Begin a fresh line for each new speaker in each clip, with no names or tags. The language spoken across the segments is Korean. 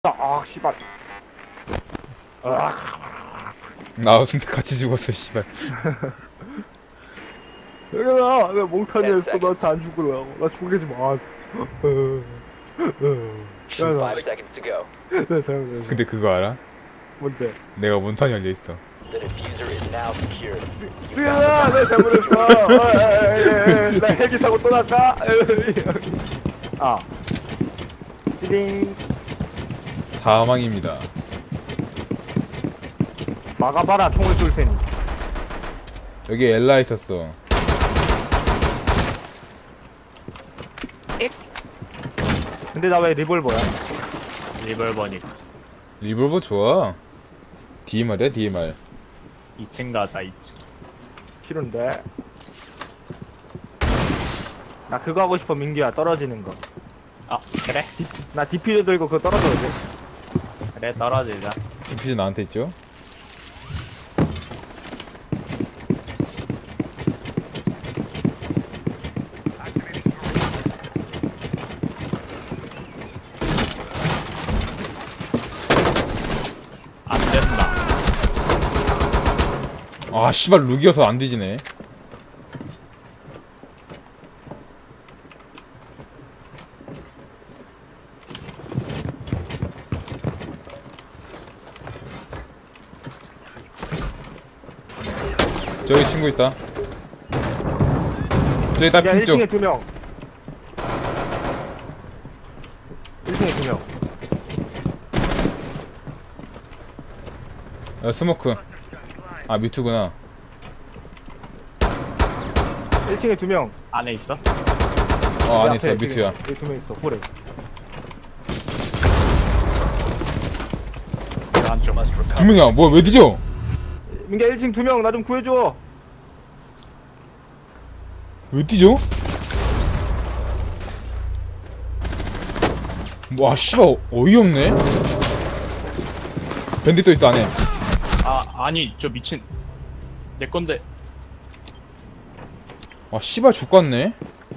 아, 씨발. 아,
나 근데 같이 죽었어 씨발.
얘들아, 내가 몽탄이었어. 너한테 안 죽으려고. 나 죽이지 마. 야, 나,
5 seconds to go.
나 잘못했어.
근데 그거 알아?
뭔데?
내가 몬탄이 열려있어.
The diffuser is now secured.
수연아, 내가 잘못했어. 나 헬기 타고 떠날까? 아. 띠링.
사망입니다.
막아봐라, 총을 쏠 테니.
여기 엘라 있었어.
근데 나 왜 리볼버야?
리벌버니까
리볼버 좋아. DMR이야 DMR.
2층 가자 2층.
싫은데. 나 그거 하고 싶어, 민규야. 떨어지는 거.
아 그래?
나 디피를 들고 그거 떨어져야 돼.
그래 떨어지자.
퓨즈 나한테 있죠?
안 된다.
아 씨발 룩이어서 안 뒤지네. 저기 친구 있다. 저기 딱
야,
핀쪽.
1층에 2명. 1층에 2명.
스모크. 아 뮤트구나.
1층에 2명.
안에 있어?
안에 있어 뮤트야.
여기 2명 있어. 그래.
안쪽.
Must recover.
두 명이야. 뭐야 왜 뒤져?
민규야, 1층 2명. 나 좀 구해줘.
왜 뛰죠? 와 씨발 어이없네. 밴딧 또 있어 안에.
아 아니 저 미친 내 건데.
아 씨발 족같네.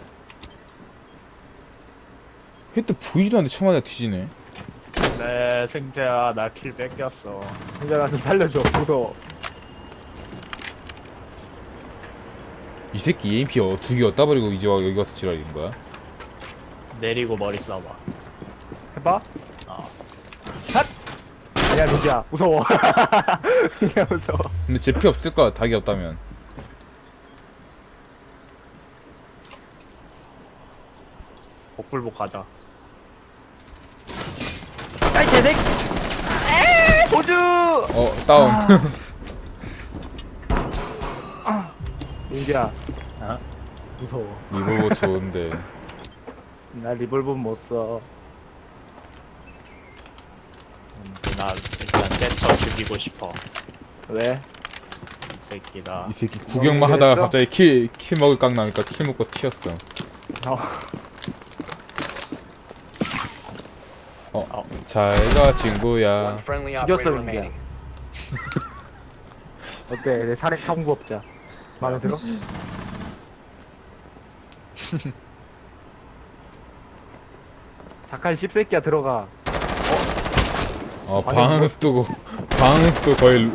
헤드 보이지도 않는데 처음에 뒤지네.
네 승재야 나 킬 뺏겼어.
민규야, 나 좀 살려줘. 무서워.
이 새끼 EMP 두 개 얻다 버리고 이제 와 여기 와서 지랄인 거야?
내리고 머리 쏴봐.
해봐.
어.
샷! 아니야, 민규야. 무서워. 민규야, 무서워.
근데 제 피 없을 거야 닭이 없다면.
복불복 가자.
아이, 개새끼! 에이, 도주!
다운.
민규야,
어?
무서워.
리볼버 좋은데.
나 리볼버 못 써.
나 일단 때쳐 죽이고 싶어.
왜?
이 새끼다.
이 새끼 구경만 하다가 갑자기 킬 먹을 깡 나니까 킬 먹고 튀었어. 잘가 친구야.
One friendly
죽였어,
operator
민규야.
remaining.
어때? 내 살인 청부업자. 마음에 들어? 작한 씹새끼야, 들어가.
방스도 거의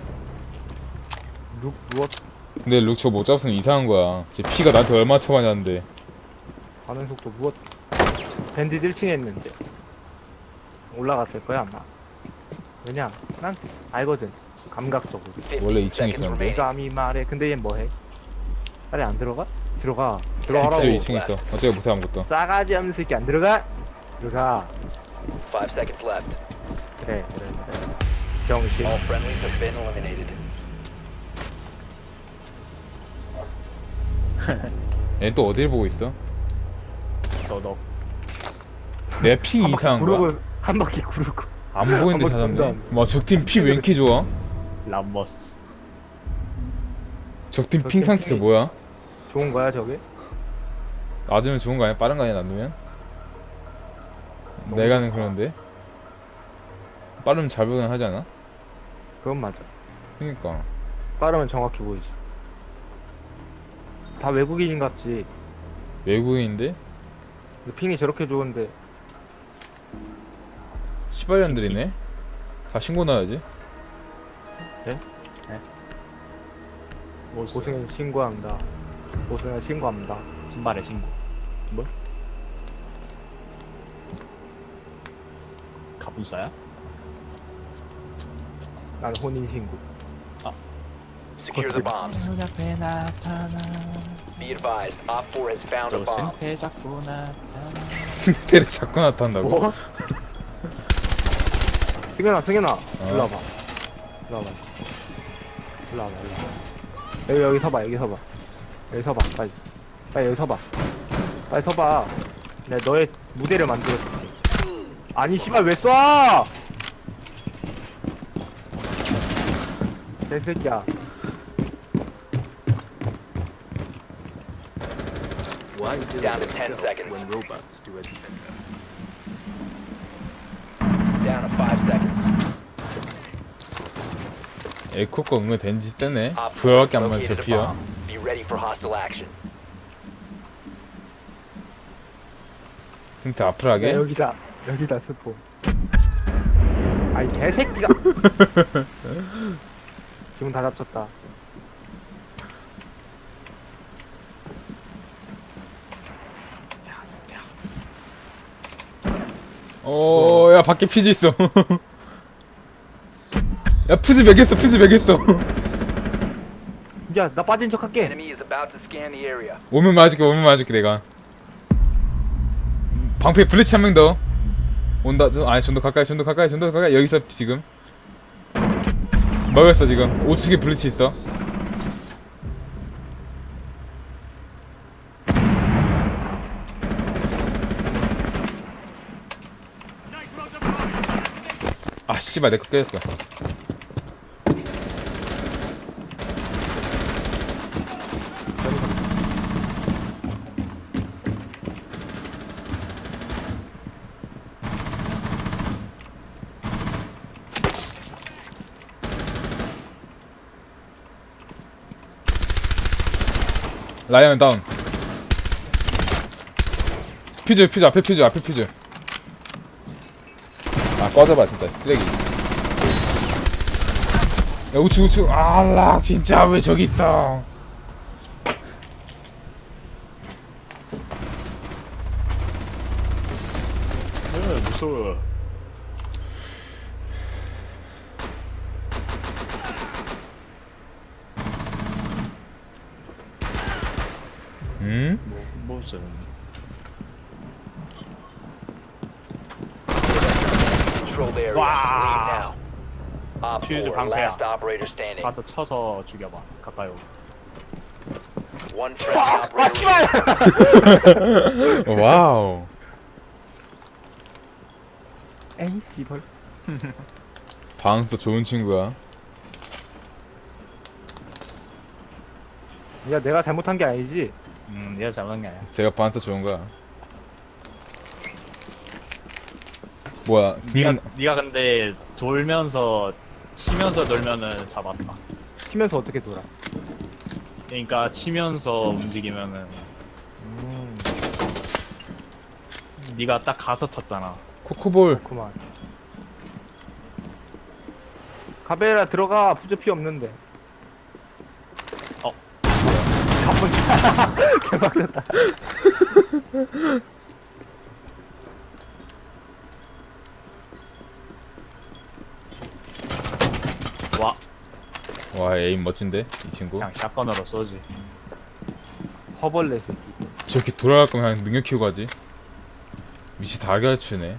룩, 누웠,
근데 룩 저거 못 잡으면 이상한 거야. 제 피가 나한테 얼마 쳐맞았는데.
반응 속도 누웠. 밴딧 1층에 있는데. 올라갔을 거야, 아마. 왜냐? 난 알거든. 감각적으로.
15
원래 2층에
seconds
있었는데.
remaining.
감이 말해. 근데 얘 뭐해? 빨리 안 들어가? 들어가. 들어가라고.
딥스 2층에 있어. 어차피 못해 아무것도.
싸가지 없는 새끼 안 들어가? 들어가.
5 seconds left.
그래. 병신.
All friendlies have been eliminated.
얘 또 어딜 보고 있어?
너너
내 핑 이상한 거야?
한 바퀴 구르고.
안 보이는데
한번
찾았네.
던져.
와 적팀 피 왜 이렇게 좋아?
람버스.
적팀 핑 상태 뭐야?
좋은 거야, 저게?
낮으면 좋은 거 아니야? 빠른 거 아니야 낮으면? 내가는 그런데 빠르면 잘 보긴 하지 않아?
그건 맞아.
그니까
빠르면 정확히 보이지. 다 외국인인 같지.
외국인인데?
핑이 저렇게 좋은데
시발년들이네. 다 신고 나야지.
모스
고승현 신고합니다. 고승현 신고합니다.
신발의 신고.
뭐?
가분싸야?
난 혼인 신고.
Secure the bombs.
눈앞에 나타나.
Be advised, Op 4 has found a
또
bomb.
승태 자꾸 나타나.
승태를 자꾸 나타난다고?
뭐? 승현아, 승현아, 일로 와봐. 일로 와봐. 일로 와봐, 일로 와봐. 여기 서봐, 여기 서봐. 여기 서봐, 빨리. 빨리 여기 서봐. 빨리 서봐. 내가 너의 무대를 만들어줄게. 아니, 씨발, 왜 쏴! 개새끼야.
Why do
Down to
it
10
itself
seconds.
when robots do it?
Down to 5 seconds.
에코가 은근 덴지 세네.
Op 4
부여밖에 안 맞아
located a
피야.
bomb. Be ready for hostile action.
승태
야,
아프라게.
여기다, 여기다 스포. 아이, 개새끼가! 지금 다 잡혔다.
야 승태야.
야 밖에 퓨즈 있어. 야 퓨즈 매겼어. 퓨즈 매겼어.
야, 나 빠진 척 할게.
Enemy is about to scan the area.
오면 맞을게. 오면 맞을게 내가. 방패 블리치 한 명 더. 온다. 아니 좀 더 가까이. 좀 더 가까이. 좀 더 가까이. 여기서 지금. 먹였어 지금. 우측에 블리치 있어. 아 씨발 내 거 깨졌어. 라이언 다운. 퓨즈 앞에 퓨즈. 아 꺼져봐 진짜 쓰레기. 야 우측 알락 진짜 왜 저기 있어.
무서워.
응?
무슨
Controlled area.
Wow.
Leave now. Op 4,
Fuse 방패야.
last operator standing.
가서 쳐서 죽여봐. 가까이 오고.
One friendly operator.
와우.
에이, 씨발.
바운스 좋은 친구야.
야, 내가 잘못한 게 아니지?
얘가 잘못한 게 아니야.
제가 바운스 좋은 거야. 뭐야?
네가 근데 돌면서 치면서 돌면은 잡았다.
치면서 어떻게 돌아?
그러니까 치면서 움직이면은 네가 딱 가서 쳤잖아.
코코볼.
그만. 카베라 들어가. 푸즈 피 없는데.
어.
개박졌다.
와,
와 에임 멋진데 이 친구.
그냥 샷건으로 쏘지.
허벌레 새끼.
저렇게 돌아갈 거면 그냥 능력 키우고 가지. 미치 다 가르치네.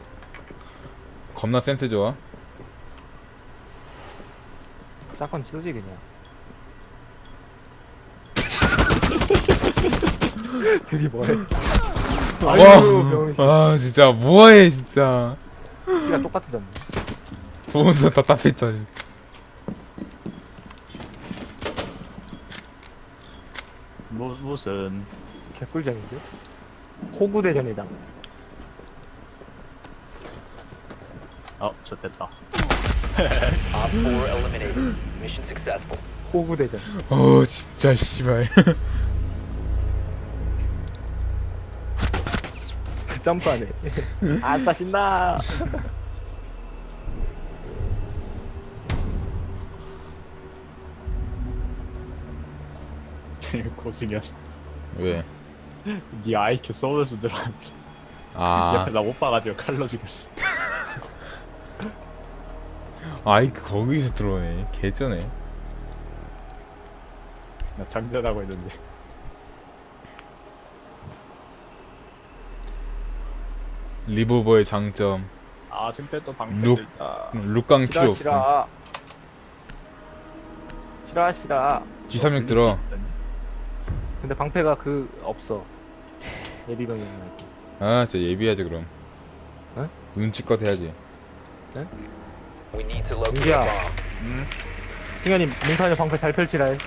겁나 센스 좋아.
짝건 쏘지 그냥. 둘이 뭐해?
와 진짜 뭐해 진짜.
키가 똑같아졌네.
보면서 답답했다.
무슨
개꿀잼인데? 호구대전이다.
좋됐다.
Op 4 eliminated. Mission successful.
호구대전.
진짜 씨발.
그 점프하네. 아싸 신나.
고승현.
왜?
네 IQ 서울에서 들어왔는데
아
옆에 나 못 봐가지고 칼로 죽였어.
아이크 거기서 들어오네. 개쩌네.
나 장전하고 있는데.
리보버의 장점
아 승태 또 방패
룩.
들자.
룩강 필요 없음.
싫어.
G36 들어.
근데 방패가 그 없어. 예비병이면.
아 진짜 예비하지 그럼.
어?
눈치껏 해야지.
We need to locate a
민기야.
bomb.
승현이 민선이 방패 잘 펼치라 해.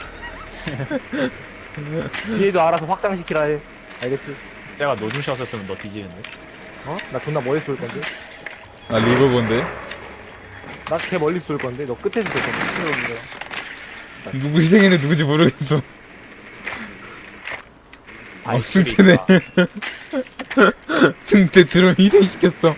뒤에도 알아서 확장시키라 해. 알겠지?
제가 노중샷했으면 너 뒤지는데.
어? 나 존나 멀리 쏠 건데.
아 리보버인데?
나 개 멀리 쏠 건데. 너 끝에서 쏠 건데.
누구 희생했는데 누구지 모르겠어. 승태네. 승태 드론 희생시켰어.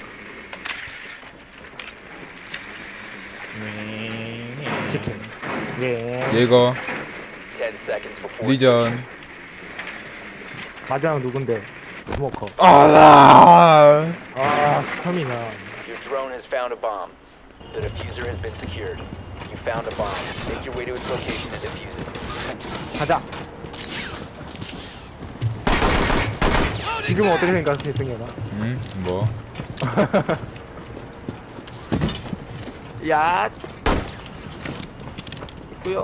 치킨. 예.
예거
10 seconds before
리전.
마지막 누군데? 스모커.
아라.
아, 터미나.
your drone has found a bomb. The diffuser has been secured. You found a bomb. Make your way to its location and defuse it.
가자. 지금은 어떻게 생각해, 승현아?
뭐?
야. 있고요.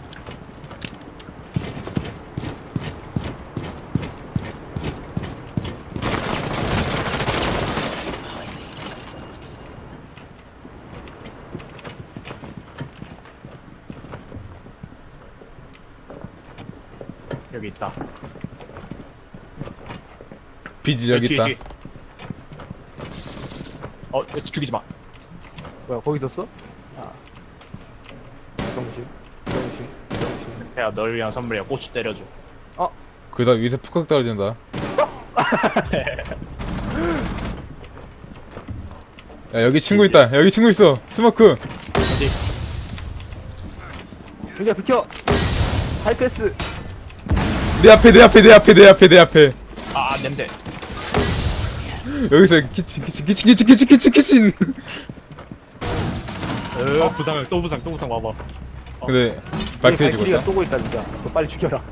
여기 있다.
비지 여기 있다.
죽이지 마.
뭐야, 거기 있었어? 아. 정신.
승태야 널 위한 선물이야. 고추 때려줘.
그러다 위에서 푹푹 떨어진다. 야 여기 친구 있다. 여기 친구 있어. 스모크.
어디?
승현 비켜. 하이패스.
내 앞에.
아 냄새.
여기서 키친.
부상을 또 부상 와봐.
근데 발표 해주고
발키리가
있다.
쏘고 있다 진짜. 너 빨리 죽여라.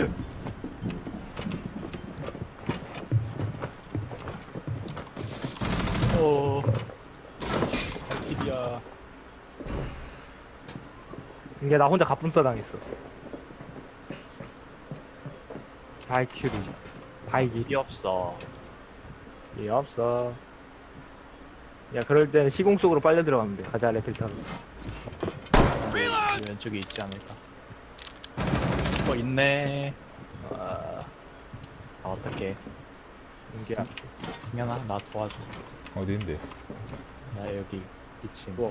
이야.
이게 나 혼자 갑분싸 당했어. 발키리. 발기.
이 없어.
이 없어. 야, 그럴 때는 시공 속으로 빨려 들어가면 돼. 가자, 레필타로.
이 왼쪽에 있지 않을까? 있네. 어떡해.
승기야.
승현아 나 도와줘.
어디인데?
나 여기 2층.
뭐?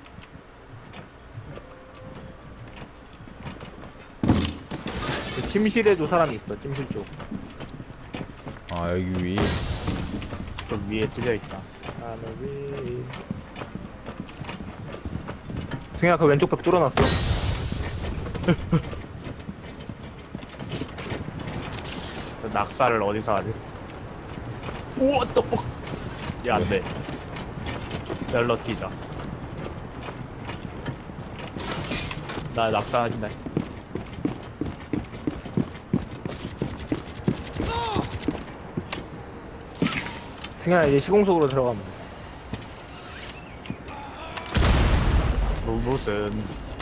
그 침실에도 사람이 있어. 침실 쪽.
아 여기 위.
저 위에 뚫려 있다.
하늘이. 승현아, 그 왼쪽 벽 뚫어놨어.
낙사를 어디서 하지? 우와 떡볶. 야 안돼. 젤러 튀자. 나 낙사하긴다.
승현아, 이제 시공 속으로 들어가면 돼.
무슨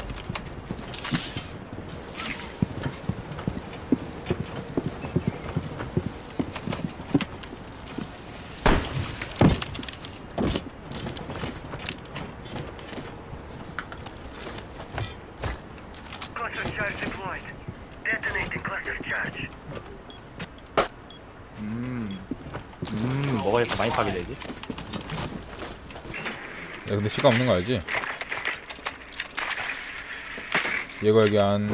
Cluster charge deployed. Detonating cluster charge.
뭐가 이렇게 많이 파괴되지?
야 근데 시간 없는 거 알지? 얘가 여기 안.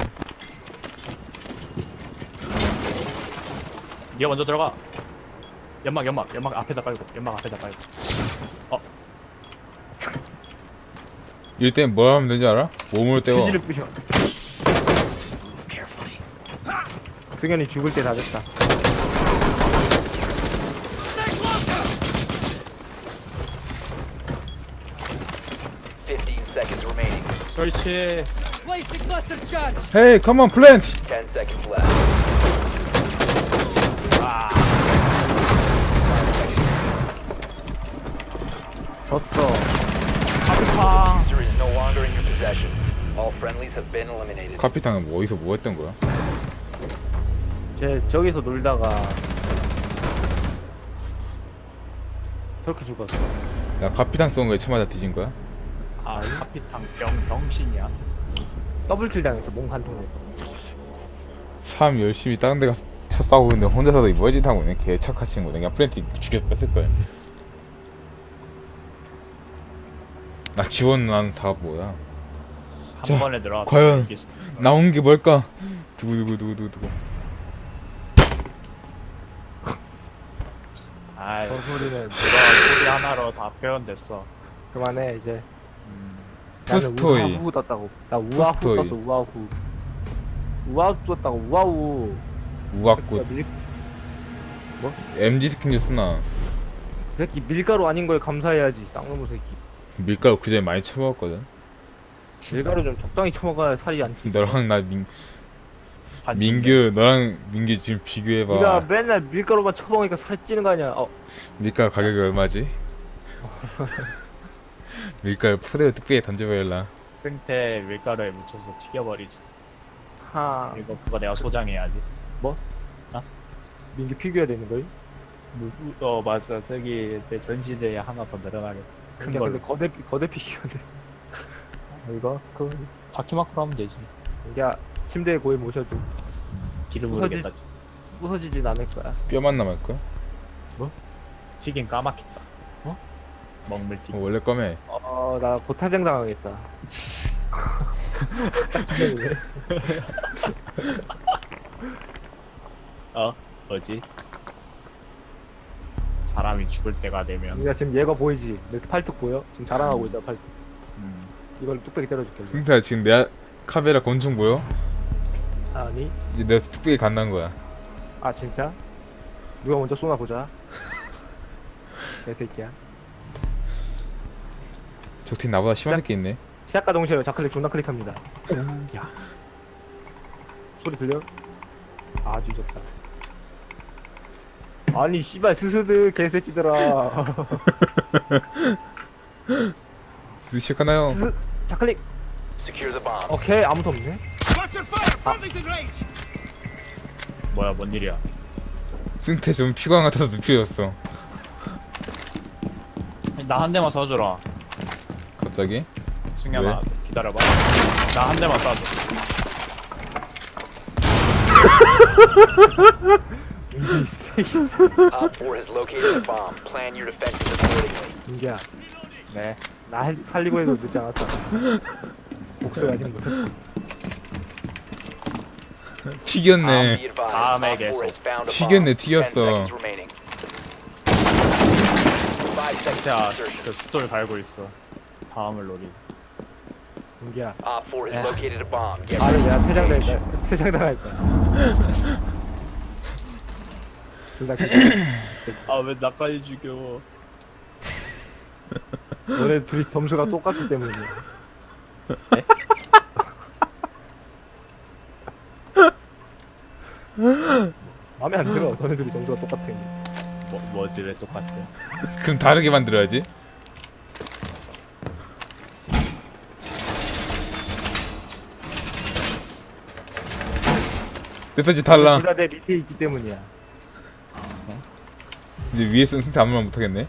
니가 먼저 들어가. 연막 앞에다 깔고. 연막 앞에다 깔고.
이럴 땐 뭘 하면 되지 알아? 몸으로 때워.
휴지를 부셔. 승현이 죽을 때 다 됐다.
15 seconds remaining.
설치.
Hey, come on, plant.
10 seconds left.
졌어.
카피탕.
Diffuser is no longer in your possession. All friendlies have been eliminated.
카피탕은 뭐 어디서 뭐 했던 거야?
쟤 저기서 놀다가 저렇게 죽었어.
나 카피탕 쏜 거에 쳐맞아 뒤진 거야?
아 카피탕 병신이야.
더블킬 당했어. 몸 한 통에.
참 열심히 다른 데 가서 싸우고 있는데 혼자서도 이 뭐지 하고 있네. 개 착한 친구네. 그냥 프렌트 죽여서 뺐을 거야. 나 지원한 사업 뭐야?
한
자,
번에 들어가.
과연 나온 게 뭘까? 두구두구두구두구.
아이
저 소리는
그거 소리 하나로 다 표현됐어.
그만해 이제.
푸스토이.
나는 우아후 떴다고. 나 우아후
푸스토이.
떴어. 우아후. 우아후 떴다고. 우아후.
우악꽃.
이
MG 스킨 쓰나?
새끼 밀가루 아닌 거에 감사해야지. 쌍놈의 새끼.
밀가루 그전에 많이 쳐먹었거든.
밀가루 좀 적당히 처먹어야 살이 안 찌.
너랑 나 민규 너랑 민규 지금
네가
비교해봐.
맨날 밀가루만 처먹으니까 살 찌는 거 아니야.
밀가루 가격이 얼마지? 밀가루 포대로 뚝배기에 던져버릴라.
생태 밀가루에 묻혀서 튀겨버리지.
하.
이거 그거 내가 소장해야지.
민기 피규어 되는 거임?
맞아. 저기 내 전시대에 하나 더 늘어나게. 큰
근데
걸로.
거대 피규어인데.
이거 그 바퀴마크로 하면 되지.
야 침대에 고이 모셔도
길을
부서지-
모르겠다.
부서지진 않을 거야.
뼈만 남을걸?
튀긴 까맣겠다. 먹물 튀김.
원래 꺼매.
나 고타장 당하겠다.
뭐지? 사람이 죽을 때가 되면
우리가 지금 얘가 보이지? 내 팔뚝 보여? 지금 자랑하고 있다 팔뚝.
음,
이걸 뚝배기 때려줄게.
승태야 지금 내 카메라 곤충 보여?
아니?
이제 내가 뚝배기 간다는 거야.
아 진짜? 누가 먼저 쏘나 보자. 개새끼야.
적팀 나보다 심한 새끼 있네.
시작과 동시에 좌클릭 존나 클릭합니다.
야,
소리 들려? 아 뒤졌다. 아니 씨발 스스드 개새끼들아.
시작하나요?
스스 좌클릭.
Secure the bomb.
오케이 아무도 없네.
뭐야, 뭔 일이야?
승태 좀 피광 같아서 눕혀졌어.
나 한 대만 쏴주라.
갑자기?
승현아, 기다려봐. 나 한 대만 쏴줘.
Op 4 has located a bomb. Plan your defenses accordingly.
민기야
네.
나 살리고 해도 늦지 않았다. 목소리 아직 못했어.
튀겼네.
Be advised,
다음에
Op 4
계속.
has found a
튀겼네,
bomb. 10
튀겼어.
seconds remaining. 5 seconds
자,
to insertion.
그 스톨 갈고 있어. 다음을 노리.
민기야
Op 4 has
야.
located a bomb. Get
아를
ready.
내가 퇴장당했다. 퇴장당했다. 둘다
아, 왜 나까지 죽여?
너네 둘이 점수가 똑같기 때문이야. 마음에 안 들어. 너네 둘이 점수가 똑같은 게.
뭐지, 왜 똑같아?
그럼 다르게 만들어야지. 됐어지 달라.
둘 다 내 밑에 있기 때문이야.
이제 위에 쓴 승태 아무 말 못하겠네.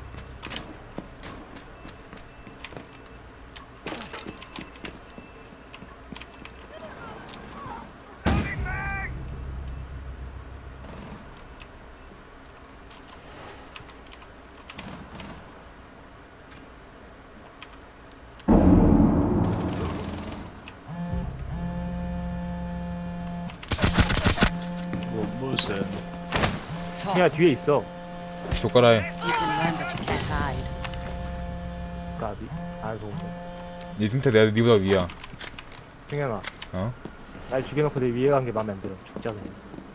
무슨?
야 뒤에 있어.
족가라해.
You can learn that you can't hide.
까비. 아이고.
이 승태 내가 니보다 위야.
승현아.
어?
날 죽여놓고 내 위에 간 게 마음에 안 들어. 죽자 그냥.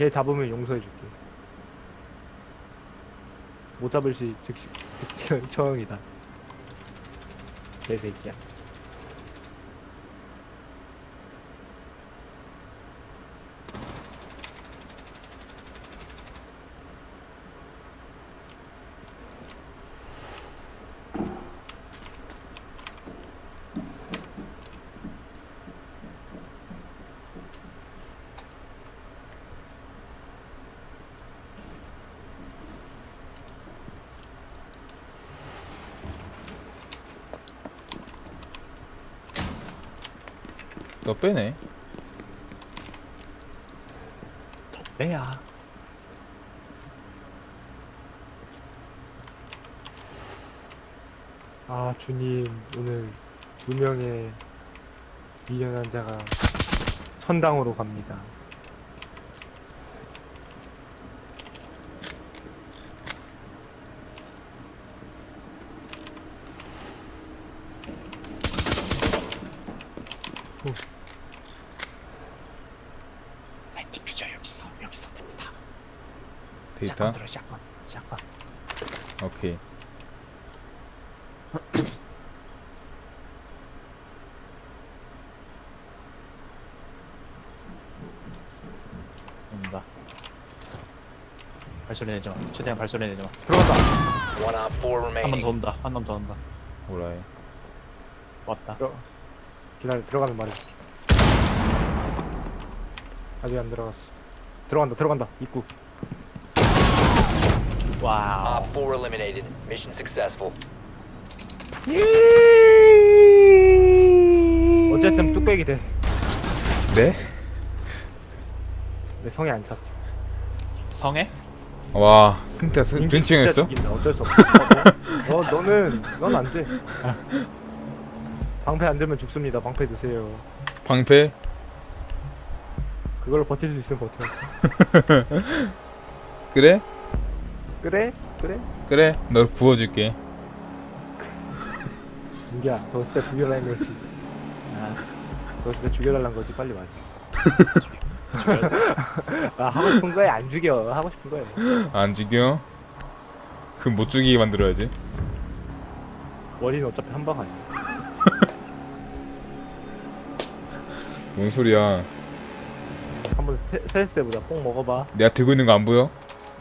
걔 잡으면 용서해줄게. 못 잡을 시 즉시 처형이다. 개새끼야.
너 빼네.
빼야.
아 주님 오늘 2명의 미련한 자가 천당으로 갑니다.
자, 디퓨저 여기 있어. 데이터.
데이터.
샷건 들어. 샷건.
오케이.
온다. 발소리 내지 마. 최대한 발소리 내지 마.
들어간다.
One op 4
한 번
remaining.
더 온다. 한 번 더 온다.
오라이.
왔다.
기다려. 들어가면 말해. 아직 안 들어갔어. 들어간다. 입구.
와우.
Op 4 eliminated. Mission successful.
어쨌든 뚝배기 돼.
네?
내 성에 안 찼어.
성에?
와, 승태 벤칭했어?
어쩔 수 없어. 넌 안 돼. 방패 안 들면 죽습니다. 방패 드세요.
방패?
그걸로 버틸 수 있으면 버텨.
그래?
그래?
그래, 널 구워줄게.
민기야, 너 진짜 죽여달라는 거지.
아,
너 진짜 죽여달라는 거지. 빨리 말해. 아, 하고 싶은 거야? 안 죽여. 하고 싶은 거야.
안 죽여? 그럼 못 죽이게 만들어야지.
원인은 어차피 한 방 아니야.
뭔 소리야?
한번 스트레스 해보자. 뽕 먹어봐.
내가 들고 있는 거 안 보여?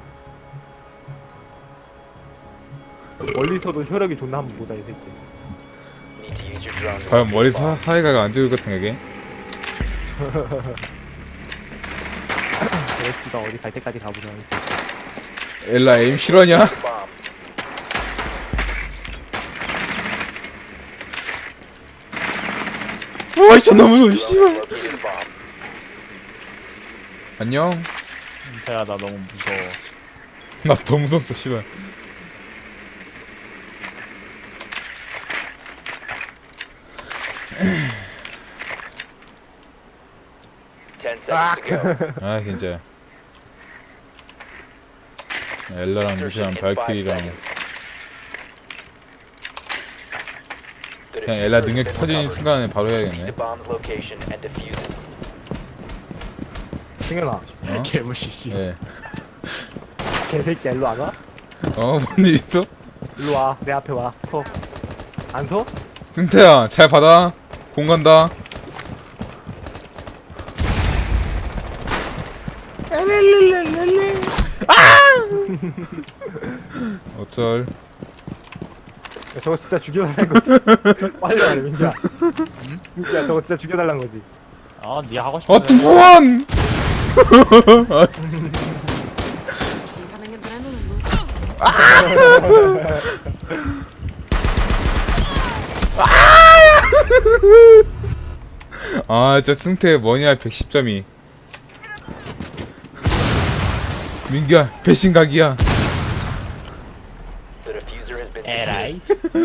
멀리서도 혈액이 존나 한번 보자, 이 새끼.
Need to use your drone. to
과연
locate
머리
bombs.
사이가 안 죽을 것 생각해?
레스가 어디 갈 때까지 가보자. 이 새끼.
엘라 에임 실화냐?
Bomb.
와, 진짜 너무 무서워,
Drone
씨발.
located a bomb.
안녕.
태야 나 너무 무서워.
나 더 무섭어, 씨발.
Ten seconds to go.
아, 진짜. 엘라랑 루시랑 발키리랑
The
그냥 엘라
diffuser has
능력
been
터지는
recovered.
순간에 바로
The
해야겠네.
bomb's location and defuse it.
승현아,
어?
개무시시.
예.
개새끼야, 일로 안 와?
뭔일 있어?
일로 와. 내 앞에 와. 서. 안 서?
승태야, 잘 받아. 공 간다. 어쩔.
야, 저거 진짜 죽여달라는 거지. 빨리 말해, 민기야. 민기야, 저거 진짜 죽여달라는 거지.
아, 네 하고 싶은
투원!
Incoming adrenaline boost.
아, 진짜 승태 뭐냐, 110점이. 민규야, 배신각이야.
The diffuser has been secured.
에라이.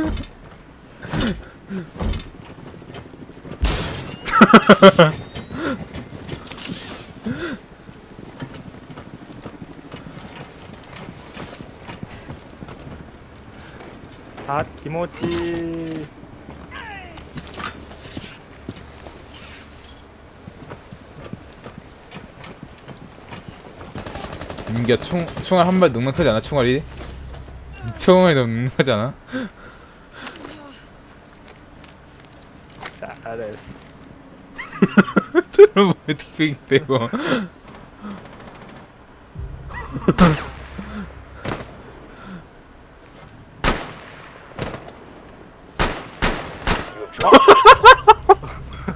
아, 김오찌.
민기야 총알 한 발 넉넉하지 않아? 총알이? 총알이 너무 넉넉하지 않아?
잘했어.
트러블에 뚝배기 빼고
You have dropped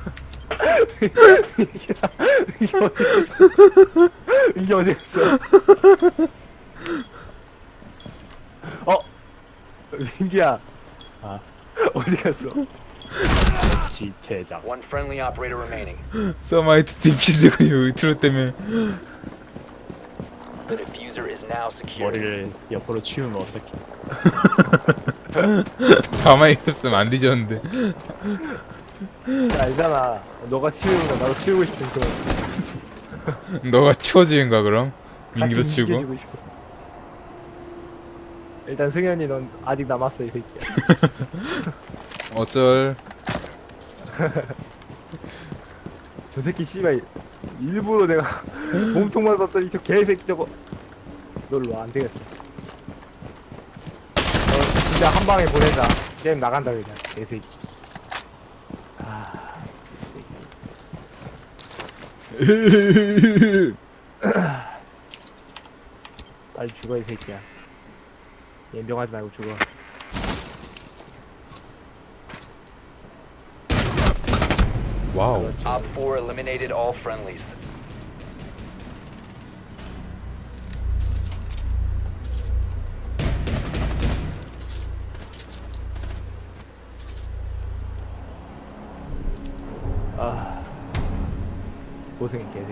이게 어디 갔어? 민기야. 아, 어디 갔어?
제작.
one friendly operator remaining.
서마이트 디피즈가 밑으로 때문에
The diffuser is now secured.
머리를 옆으로 치우면 어떡해.
가만히 있었으면 안 뒤졌는데.
알잖아. 너가 치우는 거 나도 치우고 싶은 거.
너가 치워주는 거야 그럼? 민기도
같이
치우고?
이겨주고 싶어. 일단 승현이 넌 아직 남았어 이 새끼야.
어쩔.
저 새끼 씨발 일부러 내가 몸통만 봤더니 저 개새끼 저거 놀러 안 되겠어. 진짜 한 방에 보낸다. 게임 나간다 그냥 개새끼. 아, 빨리 죽어 이 새끼야. 연병하지 말고 죽어.
와우.
Op 4 eliminated all friendlies.
아, 고생이 개새끼.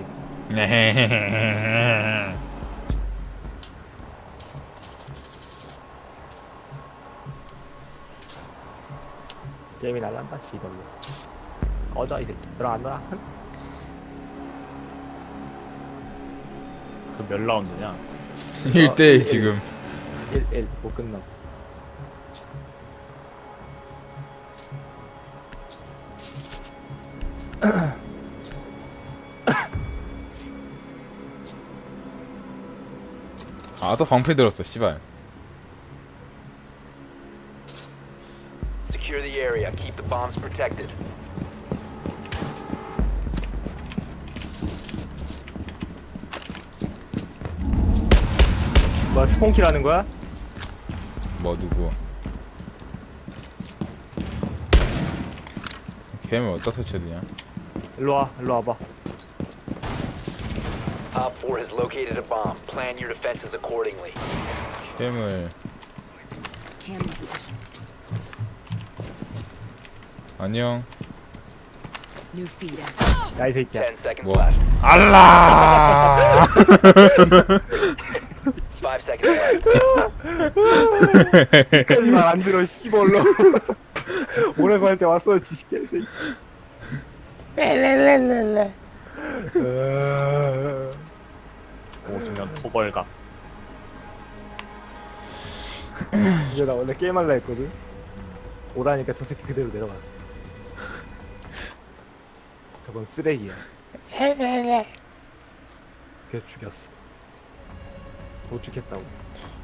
게임이 날란다 씨발로. 꺼져 이 새끼. 들어간다.
그 몇 라운드냐?
1대1 지금.
1 못 끝나.
아 또 방패 들었어 씨발.
Secure the area. Keep the bombs protected.
뭐 스폰킬 하는 거야?
뭐 누구? 캠을 어디다 설치해야 되냐?
일로 와, 일로 와봐.
Op 4 has located a bomb. Plan your defenses accordingly.
캠을
Cam position.
안녕.
New feeder.
야 이 새끼야.
10 seconds
뭐?
left.
알라.
5 seconds left.
끝까지 말 안 들어 씨발로. 오라고 할 때 왔어 지식개 새끼.
오중간 토벌각.
이제 나 원래 게임할라 했거든. 오라니까 저 새끼 그대로 내려갔어. 저건 쓰레기야. 그래서 죽였어. 못 죽겠다고.